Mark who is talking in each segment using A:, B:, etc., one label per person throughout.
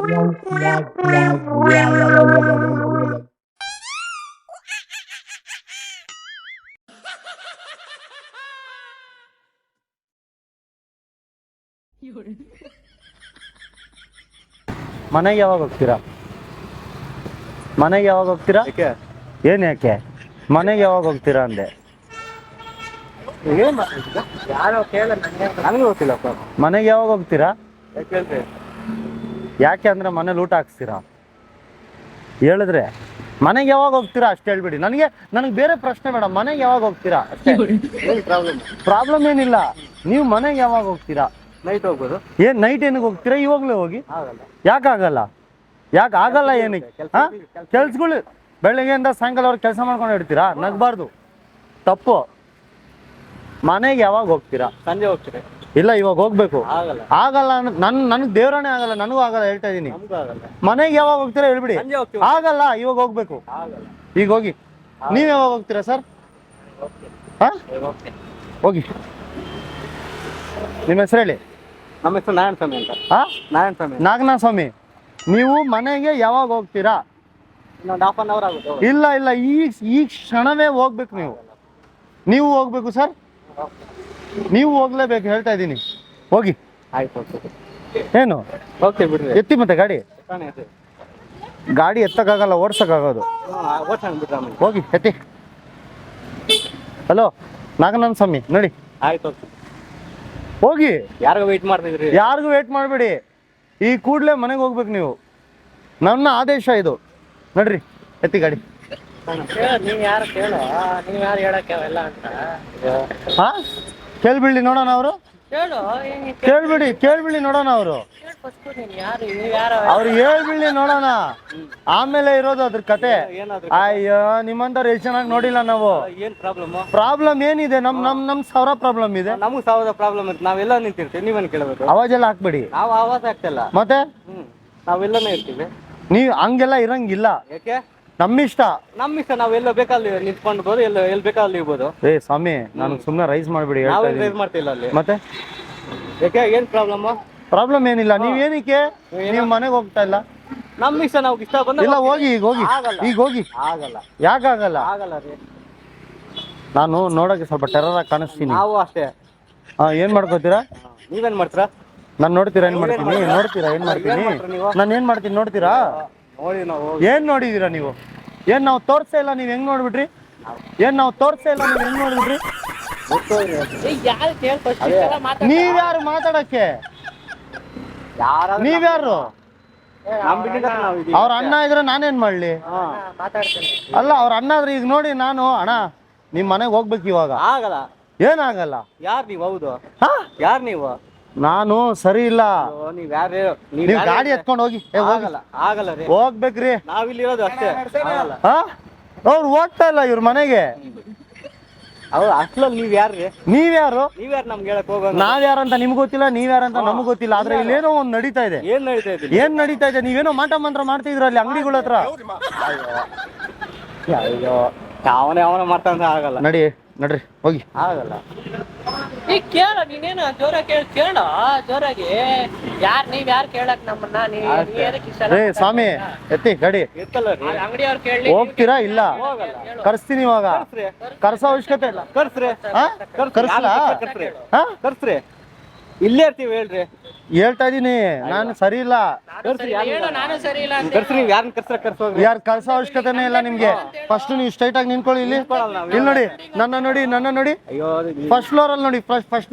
A: ಮನೆಗೆ ಯಾವಾಗ ಹೋಗ್ತೀರಾ? ಮನೆಗೆ ಯಾವಾಗ ಹೋಗ್ತೀರಾ? ಏನ್ ಯಾಕೆ ಮನೆಗೆ ಯಾವಾಗ ಹೋಗ್ತೀರಾ ಅಂದೆ. ಮನೆಗೆ ಯಾವಾಗ ಹೋಗ್ತೀರಾ? ಯಾಕೆ ಅಂದ್ರೆ ಮನೇಲಿ ಊಟ ಹಾಕ್ಸ್ತೀರಾ? ಹೇಳಿದ್ರೆ ಮನೆಗೆ ಯಾವಾಗ ಹೋಗ್ತೀರಾ ಅಷ್ಟು ಹೇಳ್ಬಿಡಿ. ನನಗೆ ಬೇರೆ ಪ್ರಶ್ನೆ ಬೇಡ. ಮನೆಗೆ ಯಾವಾಗ ಹೋಗ್ತೀರಾ ಅಷ್ಟೇ. ಪ್ರಾಬ್ಲಮ್ ಏನಿಲ್ಲ. ನೀವು ಮನೆಗೆ ಯಾವಾಗ ಹೋಗ್ತೀರಾ?
B: ನೈಟ್ ಹೋಗ್ಬೋದು.
A: ಏನ್ ನೈಟ್ ಏನಿಗೆ ಹೋಗ್ತೀರಾ? ಇವಾಗ್ಲೇ ಹೋಗಿ. ಯಾಕಾಗಲ್ಲ? ಯಾಕೆ ಆಗಲ್ಲ? ಏನಕ್ಕೆ? ಕೆಲ್ಸಗಳು ಬೆಳಗ್ಗೆಯಿಂದ ಸಾಯಂಕಾಲವರೆಗೆ ಕೆಲಸ ಮಾಡ್ಕೊಂಡು ಇಡ್ತೀರಾ? ನಗ್ಬಾರ್ದು, ತಪ್ಪು. ಮನೆಗೆ ಯಾವಾಗ ಹೋಗ್ತೀರಾ?
B: ಸಂಜೆ ಹೋಗ್ತೀರಾ?
A: ಇಲ್ಲ, ಇವಾಗ ಹೋಗ್ಬೇಕು. ಆಗಲ್ಲ ನನಗೆ ದೇವ್ರನೇ ಆಗಲ್ಲ, ನನಗೂ ಆಗಲ್ಲ, ಹೇಳ್ತಾ ಇದೀನಿ. ಮನೆಗೆ ಯಾವಾಗ ಹೋಗ್ತೀರಾ ಹೇಳ್ಬಿಡಿ. ಆಗಲ್ಲ, ಇವಾಗ ಹೋಗ್ಬೇಕು. ಈಗ ಹೋಗಿ. ನೀವ್ ಯಾವಾಗ ಹೋಗ್ತೀರಾ ಸರ್? ಹೋಗಿ. ನಿಮ್ಮ ಹೆಸರು ಹೇಳಿ.
B: ನಮ್ಮ ಹೆಸರು ನಾರಾಯಣ ಸ್ವಾಮಿ ಅಂತ.
A: ನಾಗನಾಥ ಸ್ವಾಮಿ. ನೀವು ಮನೆಗೆ ಯಾವಾಗ ಹೋಗ್ತೀರಾ?
B: ಇನ್ನೊಂದು ಹಾಫ್ ಅನ್ ಅವರ್ ಆಗುತ್ತೆ.
A: ಇಲ್ಲ, ಈ ಕ್ಷಣವೇ ಹೋಗ್ಬೇಕು. ನೀವು ಹೋಗ್ಬೇಕು ಸರ್. ನೀವು ಹೋಗ್ಲೇಬೇಕು, ಹೇಳ್ತಾ ಇದ್ದೀನಿ. ಹೋಗಿ.
B: ಆಯ್ತು.
A: ಏನು
B: ಹೋಗ್ತೀವಿ ಬಿಡ್ರಿ.
A: ಎತ್ತಿ ಮತ್ತೆ ಗಾಡಿ ಎತ್ತಕ್ಕಾಗಲ್ಲ, ಓಡ್ಸಕ್ಕಾಗೋದು. ಹೋಗಿ ಎತ್ತಿ. ಹಲೋ ನಾಗನಾಥ ಸ್ವಾಮಿ ನೋಡಿ.
B: ಆಯ್ತು
A: ಹೋಗಿ.
B: ಯಾರಿಗೂ ವೇಟ್ ಮಾಡ್ತಿದ್ರಿ?
A: ಯಾರಿಗೂ ವೇಟ್ ಮಾಡಬೇಡಿ. ಈ ಕೂಡಲೇ ಮನೆಗೆ ಹೋಗ್ಬೇಕು ನೀವು. ನನ್ನ ಆದೇಶ ಇದು. ನಡ್ರಿ, ಎತ್ತಿ ಗಾಡಿ.
B: ನೀವ್ ಯಾರು ಕೇಳೋ, ನೀವ್ ಯಾರು ಹೇಳಕ್ಕೆ ಅವೆಲ್ಲ ಅಂತ.
A: ಕೇಳ್ಬಿಡ್ಲಿ ನೋಡೋಣ ಅವರು. ಕೇಳ್ಬಿಡಿ ನೋಡೋಣ ಅವರು. ಅವ್ರು ಹೇಳ್ಬಿಡ್ಲಿ ನೋಡೋಣ. ಆಮೇಲೆ ಇರೋದು ಅದ್ರ ಕತೆ. ಅಯ್ಯೋ, ನಿಮ್ಮಂತ ಎಷ್ಟು ಚೆನ್ನಾಗಿ ನೋಡಿಲ್ಲ ನಾವು.
B: ಏನ್
A: ಪ್ರಾಬ್ಲಮ್ ಏನಿದೆ? ನಮ್ ಸಾವಿರ ಪ್ರಾಬ್ಲಮ್ ಇದೆ.
B: ನಮಗ್ ಸಾವಿರ ಪ್ರಾಬ್ಲಮ್ ಇರುತ್ತೆ. ನಾವೆಲ್ಲ ನಿಂತಿರ್ತೀವಿ, ನೀವೇನ್ ಕೇಳಬೇಕು?
A: ಅವಾಜ್ ಎಲ್ಲ ಹಾಕ್ಬೇಡಿ.
B: ನಾವು ಆವಾಜ್ ಆಗ್ತಿಲ್ಲ
A: ಮತ್ತೆ.
B: ನಾವೆಲ್ಲನೇ ಇರ್ತೀವಿ.
A: ನೀವ್ ಹಂಗೆಲ್ಲ ಇರಂಗಿಲ್ಲ.
B: ಯಾಕೆ?
A: ನಮ್ಮಿಷ್ಟ.
B: ನಾವ್ ಎಲ್ಲ ಬೇಕಾದ್ರೆ ನಿಂತ್ಕೊಂಡ್ಬೋದು, ಎಲ್ಲಿ ಬೇಕಾದ್ರೆ ಇರ್ಬೋದು.
A: ಸ್ವಾಮಿ, ನನಗೆ ಸುಮ್ಮನೆ ರೈಸ್ ಮಾಡ್ಬಿಡಿ.
B: ರೈಸ್ ಮಾಡ್ತಿಲ್ಲ ಅಲ್ಲಿ.
A: ಮತ್ತೆ
B: ಯಾಕೆ? ಏನ್
A: ಪ್ರಾಬ್ಲಮ್ ಏನಿಲ್ಲ. ನೀವೇನಕ್ಕೆ ನೀವು ಮನೆಗೆ ಹೋಗ್ತಾ ಇಲ್ಲ?
B: ನಮ್ಮ ಇಷ್ಟ, ನಾವು ಇಷ್ಟ ಬಂದ.
A: ಇಲ್ಲ, ಹೋಗಿ. ಈಗ ಹೋಗಿ.
B: ಆಗಲ್ಲ.
A: ಯಾಕಾಗಲ್ಲ?
B: ಆಗಲ್ಲ ರೀ.
A: ನಾನು ನೋಡಕ್ಕೆ ಸ್ವಲ್ಪ ಟೆರರ್ ಆಗಿ ಕಾಣಿಸ್ತೀನಿ.
B: ನಾವು ಅಷ್ಟೇ.
A: ಏನ್ ಮಾಡ್ಕೋತೀರಾ?
B: ನೀವೇನ್ ಮಾಡ್ತೀರಾ?
A: ನಾನು ನೋಡ್ತೀರಾ ಏನ್ ಮಾಡ್ತೀನಿ? ನಾನು ಏನ್ ಮಾಡ್ತೀನಿ ನೋಡ್ತೀರಾ? ಏನ್ ನೋಡಿದೀರಾ ನೀವು? ಏನ್ ನಾವು ತೋರ್ಸೇ ಇಲ್ಲ, ನೀವ್ ಹೆಂಗ್ ನೋಡ್ಬಿಟ್ರಿ? ನೀವ್ಯಾರು ಮಾತಾಡಕ್ಕೆ? ನೀವ್ಯಾರು? ಅವ್ರ ಅಣ್ಣ ಇದ್ರೆ ನಾನೇನ್ ಮಾಡ್ಲಿ? ಅಲ್ಲ, ಅವ್ರ ಅಣ್ಣ ಇದ್ರೆ ಈಗ ನೋಡಿ. ನಾನು ಅಣ್ಣ ನಿಮ್ ಮನೆಗೆ ಹೋಗ್ಬೇಕು ಇವಾಗ.
B: ಆಗಲ್ಲ.
A: ಏನಾಗಲ್ಲ?
B: ಯಾರ್ ನೀವು? ಹೌದು, ಯಾರ್ ನೀವು?
A: ನಾನು ಸರಿ ಇಲ್ಲ.
B: ನೀವ್
A: ಗಾಡಿ ಎತ್ಕೊಂಡು ಹೋಗಿ.
B: ಆಗಲ್ಲ ರೀ.
A: ಹೋಗ್ಬೇಕ್ರಿ.
B: ನಾವಿಲ್ಲಿರೋದು ಅಷ್ಟೇ.
A: ಅವ್ರು ಹೋಗ್ತಾ ಇಲ್ಲ ಇವ್ರ ಮನೆಗೆ.
B: ಅಷ್ಟಲ್ಲಿ ನೀವ್ಯಾರು ನಮ್ಗೆ ಹೇಳಕ್ ಹೋಗೋಣ?
A: ನಾವ್ಯಾರಂತ ನಿಮ್ಗೆ ಗೊತ್ತಿಲ್ಲ, ನೀವ್ಯಾರಂತ ನಮ್ಗೆ ಗೊತ್ತಿಲ್ಲ. ಆದ್ರೆ ಇಲ್ಲೇನೋ ಒಂದ್ ನಡೀತಾ ಇದೆ. ಏನ್ ನಡೀತಾ ಇದೆ? ನೀವೇನೋ ಮಾಟ ಮಂತ್ರ ಮಾಡ್ತಿದ್ರ ಅಲ್ಲಿ ಅಂಗಡಿಗಳ ಹತ್ರ.
B: ಅಯ್ಯೋ, ಅವನ ಮಾಡ್ತಾನ. ಆಗಲ್ಲ.
A: ನಡ್ರಿ ಹೋಗಿ.
B: ಆಗಲ್ಲ. ಕೇಳ, ನೀನೇನು ಕೇಳ ಜೋರಾಗಿ. ನೀವ್ ಯಾರು ಕೇಳಕ್ ನಮ್ಮನ್ನ?
A: ಸ್ವಾಮಿ ಎತ್ತಿ ಗಾಡಿ.
B: ಅಂಗಡಿಯವ್ರು ಕೇಳಿ
A: ಹೋಗ್ತೀರಾ? ಇಲ್ಲ, ಕರ್ಸ್ತೀನಿ ಇವಾಗ. ಕರ್ಸೋ ಅವಶ್ಯಕತೆ ಇಲ್ಲ.
B: ಕರ್ಸ್ರಿ. ಇಲ್ಲೇ ಇರ್ತೀವಿ. ಹೇಳ್ರಿ.
A: ಹೇಳ್ತಾ ಇದೀನಿ, ನಾನು ಸರಿ ಇಲ್ಲ. ಯಾರು ಕರ್ಸೋ ಅವಶ್ಯಕತೆನೇ ಇಲ್ಲ ನಿಮ್ಗೆ. ಫಸ್ಟ್ ನೀವು ಸ್ಟ್ರೈಟ್ ಆಗಿ ನಿಂತ್ಕೊಳ್ಳಿ. ಇಲ್ಲಿ ನೋಡಿ, ನನ್ನ ನೋಡಿ. ಫಸ್ಟ್ ಫ್ಲೋರ್ ಅಲ್ಲಿ ನೋಡಿ. ಫಸ್ಟ್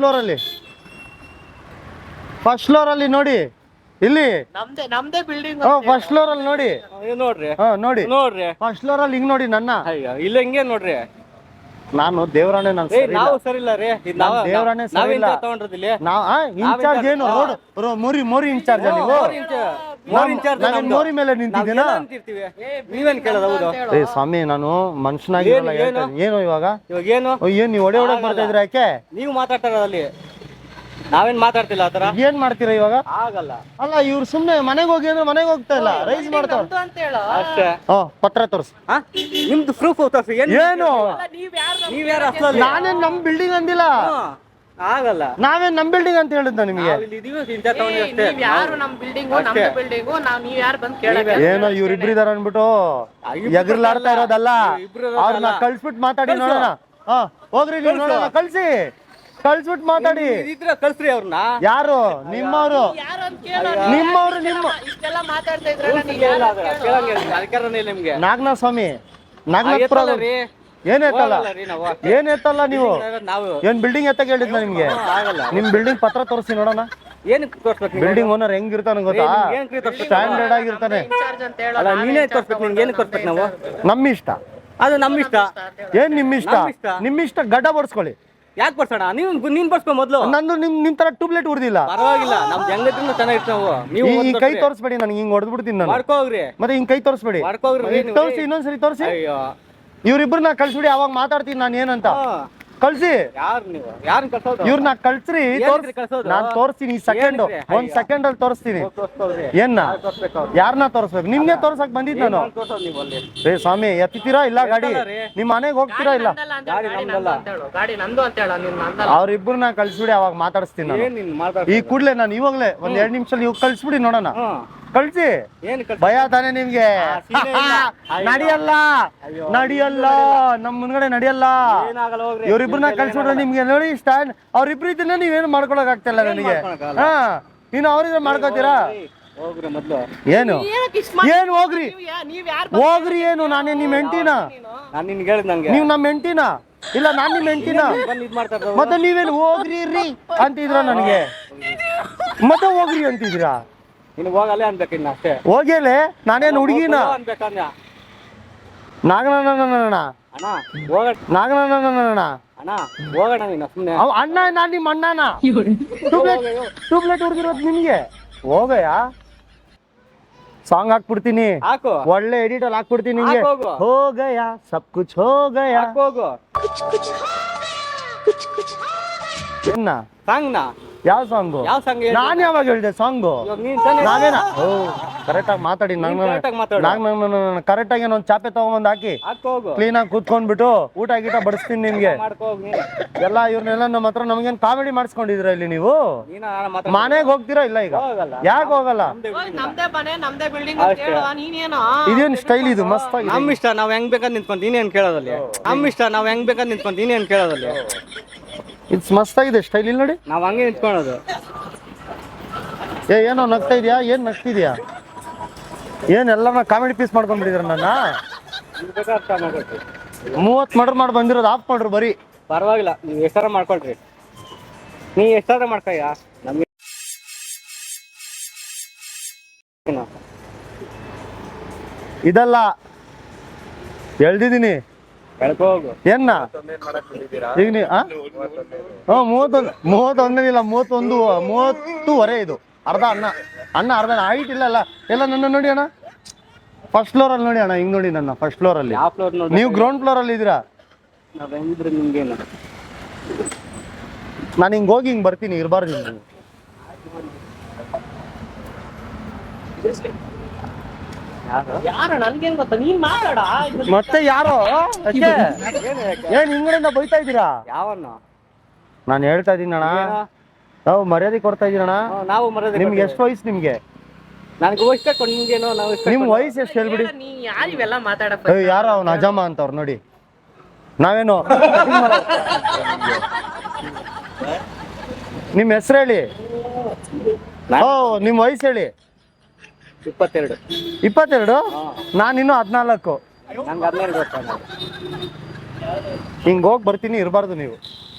A: ಫ್ಲೋರ್ ಅಲ್ಲಿ ನೋಡಿ. ಇಲ್ಲಿ
B: ನಮ್ದೇ ಬಿಲ್ಡಿಂಗ್.
A: ಫಸ್ಟ್ ಫ್ಲೋರ್ ಅಲ್ಲಿ ನೋಡಿ. ನೋಡಿ ಫಸ್ಟ್ ಫ್ಲೋರ್ ಅಲ್ಲಿ ಹಿಂಗ್ ನೋಡಿ ನನ್ನ.
B: ಇಲ್ಲ ಹಿಂಗೆ ನೋಡ್ರಿ.
A: ನಾನು ದೇವರಾಣೆ.
B: ನಾವು ಸರಿ ಇಲ್ಲ ರೀ.
A: ದೇವರಾಣೆ ಸರಿ ಇಲ್ಲ. ಇನ್ಚಾರ್ಜ್ ಏನು? ಮೋರಿ ಇನ್ಚಾರ್ಜ್. ನೀವು ಮೋರಿ ಮೇಲೆ ನಿಂತಿದ್ದೀನಾ?
B: ನೀವೇನ್ ಕೇಳೋದು?
A: ಸ್ವಾಮಿ, ನಾನು ಮನುಷ್ಯನಾಗಿ ಏನು ಇವಾಗ? ಏನ್ ನೀವು ಹೊಡೆ ಮಾಡ್ತಾ ಇದ್ರ? ಯಾಕೆ
B: ನೀವು ಮಾತಾಡ್ತಾರ ಅಲ್ಲಿ? ನಾವೇನ್ ಮಾತಾಡ್ತಿಲ್ಲ ಆತರ.
A: ಏನ್ ಮಾಡ್ತೀರಾ ಇವಾಗ?
B: ಆಗಲ್ಲ.
A: ಅಲ್ಲ, ಇವ್ರು ಸುಮ್ನೆ ಮನೆಗೆ ಹೋಗಿ ಅಂದ್ರೆ ಮನೆಗೆ ಹೋಗ್ತಾ ಇಲ್ಲ, ರೈಸ್ ಮಾಡ್ತಾರ
B: ಅಷ್ಟೇ.
A: ಪತ್ರ ತೋರ್ಸು.
B: ನಿಮ್ದು ಪ್ರೂಫ್ ತೋರ್ಸಿ.
A: ಏನು?
B: ನೀವ್ಯಾರು?
A: ನಾನೇನ್ ನಮ್ ಬಿಲ್ಡಿಂಗ್ ಅಂದಿಲ್ಲ.
B: ಆಗಲ್ಲ.
A: ನಾವೇನ್ ನಮ್ ಬಿಲ್ಡಿಂಗ್ ಅಂತ ಹೇಳಿದ್ದ ನಿಮಗೆ?
B: ನೀವ್ ಯಾರು ನಮ್ ಬಿಲ್ಡಿಂಗು ನಮ್ದು ಬಿಲ್ಡಿಂಗು ನೀವ್ ಯಾರು ಬಂದ್ ಕೇಳಕ್ಕೆ?
A: ಏನೋ ಇವ್ರಿಬ್ರು ಇದಾರ ಅನ್ಬಿಟ್ಟು ಎಗ್ರಲಾಡ್ತಾ ಇರೋದಲ್ಲ. ಅವ್ರನ್ನ ಕಳ್ಸ್ಬಿಟ್ಟು ಮಾತಾಡಿ ನೋಡೋಣ. ಹಾ ಹೋಗ್ರಿ ನೀವು ನೋಡೋಣ. ಕಳ್ಸ್ಬಿಟ್ಟು ಮಾತಾಡಿ.
B: ಕಳ್ಸ್ರಿ ಅವ್ರನ್ನ.
A: ಯಾರು ನಿಮ್ಮವ್ರು? ನಿಮ್ಮವ್ರು ನಿಮ್ಮ
B: ಇಷ್ಟೆಲ್ಲ ಮಾತಾಡ್ತಾ ಇದ್ರಲ್ಲ ನಿಮ್ಗೆ.
A: ನಾಗನಾಥ ಸ್ವಾಮಿ ನಾಗನಾಥಪುರ ಏನ್ ಎತ್ತಲ್ಲ ನೀವು? ಏನ್ ಬಿಲ್ಡಿಂಗ್ ಎತ್ತ ಹೇಳಿದ್ನ ನಿಮ್ಗೆ? ನಿಮ್ ಬಿಲ್ಡಿಂಗ್ ಪತ್ರ ತೋರಿಸಿ ನೋಡೋಣ.
B: ಏನಕ್ಕೆ ತೋರ್ಸ್ಬೇಕು?
A: ಬಿಲ್ಡಿಂಗ್ ಓನರ್ ಹೆಂಗಿರ್ತಾನೆ ಗೊತ್ತಾ? ಸ್ಟ್ಯಾಂಡರ್ಡ್ ಆಗಿರ್ತಾನೆ.
B: ನೀನೇ ತೋರ್ಸ್ಬೇಕು. ನಿಮ್ಗೆ ಏನಕ್ಕೆ ತೋರ್ಸ್ಬೇಕು ನಾವು?
A: ನಮ್ಮ ಇಷ್ಟ.
B: ಅದು ನಮ್ಮ ಇಷ್ಟ.
A: ಏನ್ ನಿಮ್ ಇಷ್ಟ? ನಿಮ್ ಇಷ್ಟ ಗಡ್ಡ ಬಡ್ಸ್ಕೊಳ್ಳಿ.
B: ಯಾಕೆ ಬರ್ಸೋಣ? ನೀನ್ ಬರ್ಸ್ಕೊ ಮೊದ್ಲು.
A: ನಂದು ನಿಮ್ ತರ ಟ್ಯೂಬ್ಲೆಟ್ ಉರ್ದಿಲ್ಲ.
B: ಪರವಾಗಿಲ್ಲ, ನಮ್ದು ಹೆಂಗಿದ್ರು ಚೆನ್ನಾಗಿತ್ತು. ನಾವು ನೀವು
A: ಈ ಕೈ ತೋರಿಸ್ಬೇಡಿ ನನಗೆ, ಹಿಂಗ್ ಹೊಡೆದ್ಬಿಡ್ತೀನಿ ನಾನು.
B: ಮಾಡ್ಕೋಗ್ರಿ.
A: ಮತ್ತೆ ಹಿಂಗ್ ಕೈ ತೋರಿಸ್ಬೇಡಿ. ತೋರಿಸಿ, ಇನ್ನೊಂದ್ಸರಿ ತೋರಿಸಿ. ಇವ್ರಿಬ್ರನ್ನ ಕಳ್ಸ್ಬಿಡಿ, ಅವಾಗ ಮಾತಾಡ್ತೀನಿ ನಾನು ಏನಂತ. ಕಳ್ಸಿ.
B: ಯಾರು ನೀವು? ಯಾರನ್ನ ಕಳ್ಸೋದು?
A: ಇವ್ರನ್ನ ಕಳ್ಸ್ರಿ. ನಾನ್ ತೋರಿಸ್ತೀನಿ. ಒಂದ್ ಸೆಕೆಂಡ್ ಅಲ್ಲಿ ತೋರಿಸ್ತೀನಿ. ಏನ್ನ ಯಾರನ್ನ ತೋರಿಸ್ಬೇಕು? ನಿಮ್ಗೆ ತೋರ್ಸಕ್ ಬಂದಿದ್ ನಾನು. ರೇ ಸ್ವಾಮಿ ಎತ್ತಿತೀರಾ ಇಲ್ಲ ಗಾಡಿ? ನಿಮ್ ಮನೆಗೆ ಹೋಗ್ತೀರಾ ಇಲ್ಲ? ಅವ್ರಿಬ್ರನ್ನ ಕಳ್ಸ್ಬಿಡಿ, ಅವಾಗ ಮಾತಾಡಿಸ್ತೀನಿ ನಾನು. ಈ ಕೂಡ್ಲೆ ನಾನು ಇವಾಗ್ಲೇ ಒಂದ್ 2 ನಿಮಿಷ ನೀವು ಕಳ್ಸ್ಬಿಡಿ ನೋಡೋಣ. ಕಳ್ಸಿ. ಭಯ ತಾನೆ ನಿಮ್ಗೆ? ನಡಿಯಲ್ಲ ನಮ್ ಮುಂದ್ಗಡೆ ನಡಿಯಲ್ಲ. ಇವ್ರಿಬ್ರನ್ನ ಕಳ್ಸ್ಬಿಟ್ರೆ ನಿಮ್ಗೆ ನೋಡಿ ಸ್ಟ್ಯಾಂಡ್. ಅವ್ರಿಬ್ರು ಇದನ್ನ ನೀವೇನು ಮಾಡ್ಕೊಳಕ್ ಆಗ್ತಿಲ್ಲ ನನಗೆ. ಹಾ ನೀನು ಅವ್ರಿದ್ರೆ ಮಾಡ್ಕೋತೀರಾ? ಏನು ಏನು ಹೋಗ್ರಿ ಹೋಗ್ರಿ. ಏನು ನಾನೇ ನಿಮ್ ಹೆಂಡ್ತಿನ? ನೀವ್ ನಮ್ ಹೆಂಡ್ತಿನ? ಇಲ್ಲ ನಾನ್ ನಿಮ್ ಹೆಂಡ್ತಿನ? ಮತ್ತೆ ನೀವೇನು ಹೋಗ್ರಿ ರೀ ಅಂತಿದ್ರ ನನಗೆ? ಮತ್ತೆ ಹೋಗ್ರಿ ಅಂತಿದ್ದೀರಾ?
B: ಹೋಗಲ್ಲೇ ಅನ್ಬೇಕಿನ್ನ ಅಷ್ಟೇ.
A: ಹೋಗ್ಯಲೆ ನಾನೇನು ಹುಡುಗಿನ? ನಾಗಣ್ಣ ಅಣ್ಣ. ನಾನ್ ನಿಮ್ಮ ಅಣ್ಣನ? ಟ್ಯೂಬ್ಲೆಟ್ ಹುಡುಗಿರೋದು ನಿಮ್ಗೆ? ಹೋಗಯ್ಯ ಸಾಂಗ್ ಹಾಕ್ಬಿಡ್ತೀನಿ. ಒಳ್ಳೆ ಎಡಿಟ್ ಅಲ್ಲಿ ಹಾಕ್ಬಿಡ್ತೀನಿ ನಿಮ್ಗೆ. ಹೋಗಯ್ಯ ಸಬ್ ಕುಚ್ ಹೋಗಯ್ಯ. ಏನ್ನ
B: ಸಾಂಗ್ನ?
A: ಯಾವ ಸಾಂಗು? ನಾನ್ ಯಾವಾಗ ಹೇಳಿದೆ ಸಾಂಗು? ನಾನೇನ? ಕರೆಕ್ಟ್ ಆಗಿ ಮಾತಾಡಿ. ಕರೆಕ್ಟ್ ಆಗಿ ಒಂದ್ ಚಾಪೆ ತಗೊಂಬಂದ್ ಹಾಕಿ ಕ್ಲೀನ್ ಆಗಿ ಕೂತ್ಕೊಂಡ್ಬಿಟ್ಟು ಊಟ ಗೀಟ ಬಡಿಸ್ತೀನಿ ನಿಮ್ಗೆ. ಎಲ್ಲ ಇವ್ರನ್ನೆಲ್ಲ ನಮ್ಮ ಹತ್ರ ನಮ್ಗೇನ್ ಕಾಮಿಡಿ ಮಾಡಿಸ್ಕೊಂಡಿದ್ರ ಇಲ್ಲಿ ನೀವು? ಮನೆಗೆ ಹೋಗ್ತೀರಾ ಇಲ್ಲ ಈಗ? ಯಾಕೆ ಹೋಗಲ್ಲ? ಇದೇನ್ ಸ್ಟೈಲ್ ಇದು? ಮಸ್ತ್ ಆಗಿ.
B: ನಮ್ ಇಷ್ಟ, ನಾವ್ ಹೆಂಗ್ ಬೇಕಂತ ನಿಂತ್ಕೊಂಡ್ ನೀನೇನ್ ಕೇಳೋದಲ್ಲಿ? ನಮ್ ಇಷ್ಟ, ನಾವ್ ಹೆಂಗ್ ಬೇಕಂತ ನಿಂತ್ಕೊಂಡ್ ನೀನೇನ್ ಕೇಳೋದಲ್ಲಿ?
A: ಇಟ್ಸ್ ಮಸ್ತ್ ಆಗಿದೆ ಸ್ಟೈಲ್. ಇಲ್ಲಿ ನೋಡಿ,
B: ನಾವ್ ಹಂಗೆ ನಿಂತ್ಕೊಳ್ಳೋದು.
A: ಏನೋ ನಗ್ತಾ ಇದೆಯಾ? ಏನ್ ನಗ್ತಿದ್ಯಾ? ಏನ್ ಎಲ್ಲಾನ ಕಾಮಿಡಿ ಪೀಸ್ ಮಾಡ್ಕೊಂಡ್ಬಿಟ್ಟಿದ್ರ ನನ್ನ? 30 ಮರ್ಡರ್ ಮಾಡಿ ಬಂದಿರೋದು ಆಫ್ ಮಾಡ್ರು ಬರೀ.
B: ಪರವಾಗಿಲ್ಲ, ನೀವ್ ಎಷ್ಟಾರ ಮಾಡ್ಕೊಳ್ರಿ. ನೀ ಎಷ್ಟಾರ ಮಾಡ್ಕೊಯ್ಯ. ನಮ್ಗೆ
A: ಇದಲ್ಲ ಎಳ್ದಿದ್ದೀನಿ. ಏನ್ನ ಈಗ ನೀ 31 ಇದು ಅರ್ಧ ಅನ್ನ ಅರ್ಧ ಹೈಟ್ ಇಲ್ಲ ಎಲ್ಲ ನನ್ನ ನೋಡಿ ಅಣ್ಣ. ಫಸ್ಟ್ ಫ್ಲೋರ್ ಅಲ್ಲಿ ನೋಡಿ ಅಣ್ಣ, ಹಿಂಗ್ ನೋಡಿ ನನ್ನ ಫಸ್ಟ್ ಫ್ಲೋರ್ ಅಲ್ಲಿ. ನೀವು ಗ್ರೌಂಡ್ ಫ್ಲೋರ್ ಅಲ್ಲಿ ಇದೀರಾ? ನಾನು ಹಿಂಗ್ ಹೋಗಿ ಹಿಂಗ್ ಬರ್ತೀನಿ, ಇರಬಾರ್ದು ನೀವು. ಮತ್ತೆ ಯಾರೋ ಏನ್ ಹಿಂಗಡೆಯಿಂದ ಬೈತಾ ಇದ್ದೀರಾ? ನಾನು ಹೇಳ್ತಾ ಇದೀನಿ ಅಣ್ಣ, ನಾವು ಮರ್ಯಾದೆ ಕೊಡ್ತಾ ಇದೀರಣ್ಣ.
B: ನಾವು ಮರ್ಯಾದೆ.
A: ನಿಮ್ಗೆ ಎಷ್ಟು ವಯಸ್ಸು? ನಿಮ್ಗೆ ನಿಮ್ ವಯಸ್ಸು ಎಷ್ಟು ಹೇಳ್ಬಿಡಿ. ಯಾರೋ ಅವ್ನ ಅಜಮ್ಮ ಅಂತವ್ರು ನೋಡಿ. ನಾವೇನು ನಿಮ್ ಹೆಸರು ಹೇಳಿ. ನಿಮ್ ವಯಸ್ಸು ಹೇಳಿ. 22. ನಾನಿನ್ನು 14. ಹಿಂಗ್ ಹೋಗಿ ಬರ್ತೀನಿ, ಇರಬಾರ್ದು ನೀವು.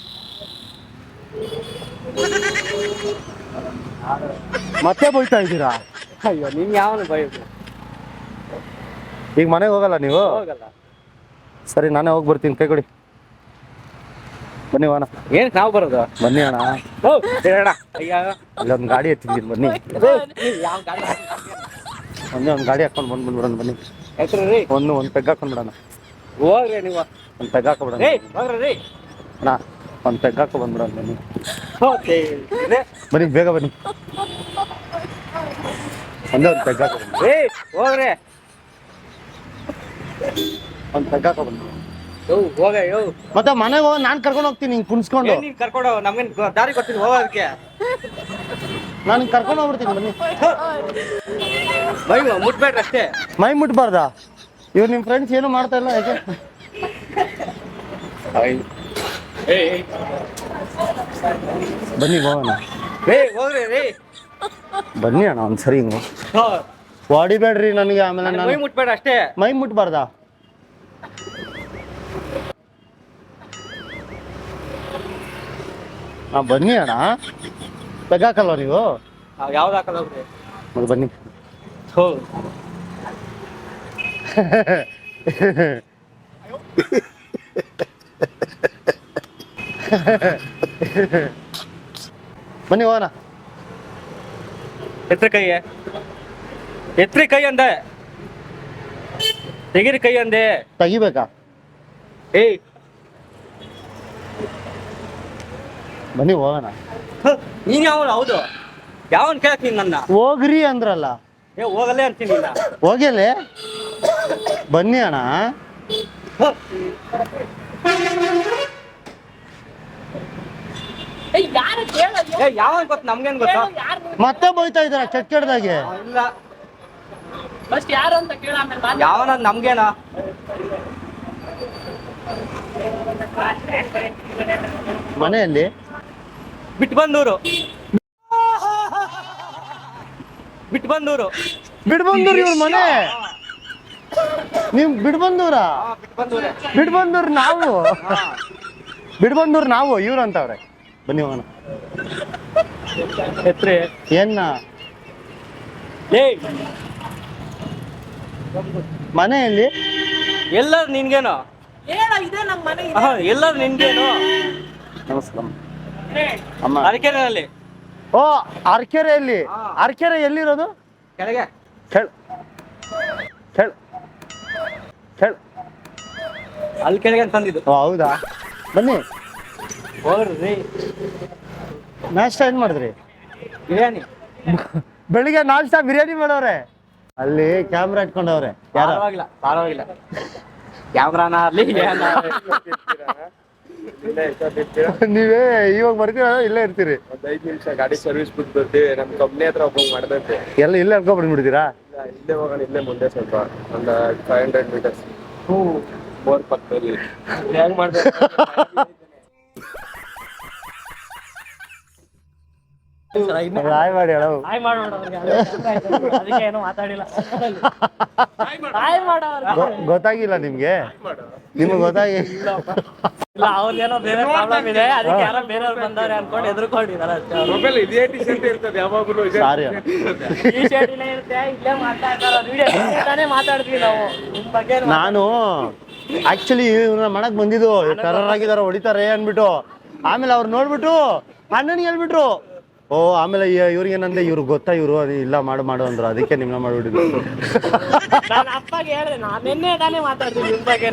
A: ಮತ್ತೆ ಬೈತಾ ಇದ್ದೀರಾ?
B: ಅಯ್ಯೋ ನೀನ್ ಯಾವನು ಬೈಯೋದು?
A: ಈಗ ಮನೆಗೆ ಹೋಗಲ್ಲ ನೀವು? ಸರಿ, ನಾನೇ ಹೋಗಿ ಬರ್ತೀನಿ. ಕೈ ಕೊಡಿ. ಬನ್ನಿ ಅಣ್ಣ.
B: ಏನ್ ನಾವು ಬರೋದು?
A: ಬನ್ನಿ ಅಣ್ಣ. ಇಲ್ಲೊಂದು ಗಾಡಿ ಎತ್ತಿದ್ದೀನಿ, ಬನ್ನಿ. ಒಂದು ಗಾಡಿ ಹಾಕೊಂಡು ಬಂದ್ಬಿಡೋಣ. ಬನ್ನಿ, ಒಂದು ಪೆಗ್ ಹಾಕೊಂಡ್ಬಿಡೋಣ.
B: ಹೋಗ್ರಿ ನೀವು.
A: ಒಂದು ಪೆಗ್ ಹಾಕೊಬಿಡೋಣ ಅಣ್ಣ. ಒಂದು ಪೆಗ್ ಹಾಕೊ ಬಂದ್ಬಿಡೋಣ. ಬನ್ನಿ ಬನ್ನಿ, ಬೇಗ ಬನ್ನಿ. ಒಂದೇ ಒಂದು ಪೆಗ್ ಹಾಕೊ.
B: ಹೋಗ್ರಿ.
A: ಒಂದು ಪೆಗ್ ಹಾಕೊ ಬಂದ್ಬಿಡೋಣ.
B: ಹೋಗ ಯೋ
A: ಮತ್ತೆ ಮನೆಗೆ ಹೋಗಿ ನಾನು ಕರ್ಕೊಂಡು ಹೋಗ್ತೀನಿ ಹಿಂಗೆ ಕುಣಿಸ್ಕೊಂಡು.
B: ನೀನ್ ಕರ್ಕೊಂಡು ನಮ್ಗೇನ್ ದಾರಿ ಗೊತ್ತಿಲ್ಲ ಹೋಗೋದಕ್ಕೆ.
A: ನಾನು ಕರ್ಕೊಂಡು ಹೋಗ್ಬಿಡ್ತೀನಿ ಬನ್ನಿ.
B: ಬೈ ಮುಟ್ಬೇಡ್ರಿ ಅಷ್ಟೇ.
A: ಮೈ ಮುಟ್ಬಾರ್ದಾ? ಇವ್ರು ನಿಮ್ಮ ಫ್ರೆಂಡ್ಸ್ ಏನು ಮಾಡ್ತಾ ಇಲ್ಲ ಯಾಕೆ? ಬನ್ನಿ ಹೋಗೋಣ.
B: ಹೋಗ್ರಿ ರೀ.
A: ಬನ್ನಿ ಅಣ್ಣ ಒಂದ್ಸರಿ ಹಿಂಗೆ ಹೊಡಿಬೇಡ್ರಿ ನನಗೆ. ಆಮೇಲೆ
B: ಮೈ
A: ನಾನು
B: ಮುಟ್ಬೇಡ ಅಷ್ಟೇ.
A: ಮೈ ಮುಟ್ಬಾರ್ದಾ? ಹಾಂ ಬನ್ನಿ ಅಣ್ಣ. ತೆಗಾಕಲ್ವ ನೀವು?
B: ಯಾವ್ದು ಹಾಕಲ್ಲ ಹೋಗ್ರಿ.
A: ಮತ್ತೆ ಬನ್ನಿ.
B: ಹೋ
A: ಬನ್ನಿ ಹೋಗೋಣ.
B: ಎತ್ರಿ ಕೈ ಅಂದೆ. ತೆಗೀರಿ ಕೈ ಅಂದೆ.
A: ತೆಗಿಬೇಕಾ?
B: ಏಯ್
A: ಬನ್ನಿ ಹೋಗೋಣ.
B: ನೀನ್ ಯಾವನು? ಹೌದು ಯಾವನ್ ಕೇಳಕ್ ನೀನ್ ನನ್ನ?
A: ಹೋಗ್ರಿ ಅಂದ್ರಲ್ಲ.
B: ಹೋಗಲ್ಲೇ ಅಂತೀನಿ ಇಲ್ಲ.
A: ಹೋಗ್ಯಲೇ ಬನ್ನಿ ಅಣ್ಣ.
B: ಯಾವನ್ ಗೊತ್ತ? ನಮ್ಗೇನ್ ಗೊತ್ತ?
A: ಮತ್ತೆ ಬೈತಾ ಇದಾರ ಕೆಟ್ಟದಾಗೆ.
B: ಇಲ್ಲ ಯಾವನ ನಮ್ಗೇನ?
A: ಮನೆಯಲ್ಲಿ
B: ಬಿಟ್ಬಂದೂರು.
A: ಬಿಡ್ಬಂದೂರು ಇವ್ರ ಮನೆ. ನೀವು ಬಿಡ್ಬಂದೂರ? ಬಿಡ್ಬಂದೂರ್ ನಾವು. ಬಿಡ್ಬಂದೂರ್ ನಾವು. ಇವ್ರು ಅಂತವ್ರೆ. ಬನ್ನಿ ಹೋಗೋಣ.
B: ಎತ್ರಿ
A: ಏನ್ನ
B: ಏಯ್
A: ಮನೆಯಲ್ಲಿ
B: ಎಲ್ಲರೂ ನಿನ್ಗೇನು? ಎಲ್ಲರೂ ನಿನ್ಗೇನು?
A: ನಮಸ್ಕಾರ ಅಮ್ಮ.
B: ಅರಕೆರೆಯಲ್ಲಿ.
A: ಓ ಅರ್ಕೆರೆಯಲ್ಲಿ. ಅರ್ಕೆರೆ ಎಲ್ಲಿರೋದು?
B: ಕೆಳಗೆ
A: ಕೇಳ್ ಕೇಳ್ ಕೇಳ್.
B: ಅಲ್ಲಿ ಕೆಳಗೆ ಅಂತಂದಿದ್ದು.
A: ಓ ಹೌದಾ? ಬನ್ನಿ.
B: ಹೋಗ್ರಿ.
A: ನಾಷ್ಟ ಏನ್ ಮಾಡಿದ್ರಿ?
B: ಬಿರಿಯಾನಿ.
A: ಬೆಳಿಗ್ಗೆ ನಾಷ್ಟ ಬಿರಿಯಾನಿ ಮಾಡೋರೆ. ಅಲ್ಲಿ ಕ್ಯಾಮ್ರಾ ಇಟ್ಕೊಂಡವ್ರೆ.
B: ಪರವಾಗಿಲ್ಲ ಕ್ಯಾಮ್ರಾನ ಅಲ್ಲಿ
A: ನೀವೇ ಇವಾಗ ಬರ್ತೀರ ಇಲ್ಲೇ ಇರ್ತೀರಿ?
C: ಒಂದ್ 5 ನಿಮಿಷ ಗಾಡಿ ಸರ್ವಿಸ್ ಬಿಟ್ಟು ಬರ್ತೀವಿ. ನಮ್ ಕಂಪ್ನಿ ಹತ್ರ ಒಬ್ಬ ಮಾಡ್ದಂತೆ.
A: ಎಲ್ಲ ಇಲ್ಲೇ ಅನ್ಕೊಂಡ್ಬಿಡ್ಬಿಡ್ತೀರಾ?
C: ಇಲ್ಲೇ ಹೋಗೋಣ. ಇಲ್ಲೇ ಮುಂದೆ ಸ್ವಲ್ಪ ಒಂದು 500 ಮೀಟರ್ಸ್ ಬೋರ್ ಪಕ್ಕದಲ್ಲಿ.
B: ಹೆಂಗ್ ಮಾಡ್ದೆ?
A: ಹಾಯ್ ಮಾಡಿ ಹೇಳೋ. ಗೊತ್ತಾಗಿಲ್ಲ ನಿಮ್ಗೆ? ನಿಮ್ಗೆ ಗೊತ್ತಾಗಿ
B: ಅವ್ರಿಗೇನೋ ಬೇರೆ ಪ್ರಾಬ್ಲಮ್ ಇದೆ, ಅದಕ್ಕೆ ಯಾರೋ ಬೇರೆಯವ್ರು ಬಂದವ್ರೆ ಅನ್ಕೊಂಡು ಎದುರ್ಕೊಂಡಿದ್ದಾರೆ ಅಷ್ಟೇ.
C: ಮೊಬೈಲ್ ಇದೇ ಟಿ-ಶರ್ಟ್ ಇರ್ತದೆ ಯಾವಾಗಲೂ.
A: ಸಾರಿ
B: ಈ ಶರ್ಟ್ ಇಲ್ಲೇ ಇರುತ್ತೆ, ಇಲ್ಲೇ ಮಾತಾಡ್ತಾರ. ವಿಡಿಯೋ ಮಾತಾಡ್ತೀವಿ ನಾವು ನಿಮ್ ಬಗ್ಗೆ.
A: ನಾನು ಆಕ್ಚುಲಿ ಇವ್ರನ್ನ ಮಾಡಕ್ ಬಂದಿದ್ದು ಟೆರರ್ ಆಗಿದಾರ ಹೊಡಿತಾರೆ ಅನ್ಬಿಟ್ಟು. ಆಮೇಲೆ ಅವ್ರು ನೋಡ್ಬಿಟ್ಟು ಅಣ್ಣನಿಗೆ ಹೇಳ್ಬಿಟ್ರು. ಓ ಆಮೇಲೆ ಇವ್ರಿಗೆ ಏನಂದ್ರೆ ಇವ್ರಿಗೆ ಗೊತ್ತಾ ಇವ್ರು ಇಲ್ಲ ಮಾಡು ಅಂದ್ರು. ಅದಕ್ಕೆ ನಿಮ್ನ ಮಾಡ್ಬಿಟ್ಟಿದ್ರು.
B: ನಾನು ಅಪ್ಪಗೆ ಹೇಳಿದೆ, ನಾನು ನಿನ್ನೆ ತಾನೇ ಮಾತಾಡ್ತೀನಿ ನಿಮ್ ಬಗ್ಗೆ.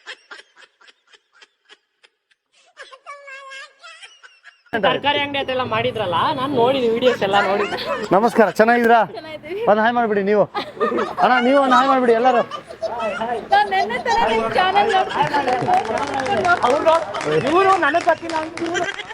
B: ತರಕಾರಿ ಅಂಗಡಿ ಅದೆಲ್ಲ ಮಾಡಿದ್ರಲ್ಲ, ನಾನು ನೋಡಿದ್ವಿ ವಿಡಿಯೋಸ್ ಎಲ್ಲ ನೋಡಿದ್ದೆ.
A: ನಮಸ್ಕಾರ, ಚೆನ್ನಾಗಿದ್ದೀರಾ? ಒಂದು ಹಾಯ್ ಮಾಡ್ಬಿಡಿ ನೀವು. ಅಣ್ಣ ನೀವು ಒಂದು ಹಾಯ್ ಮಾಡ್ಬಿಡಿ ಎಲ್ಲರೂ.
B: ಇವರು ನನಗೆ ಗೊತ್ತಿಲ್ಲ.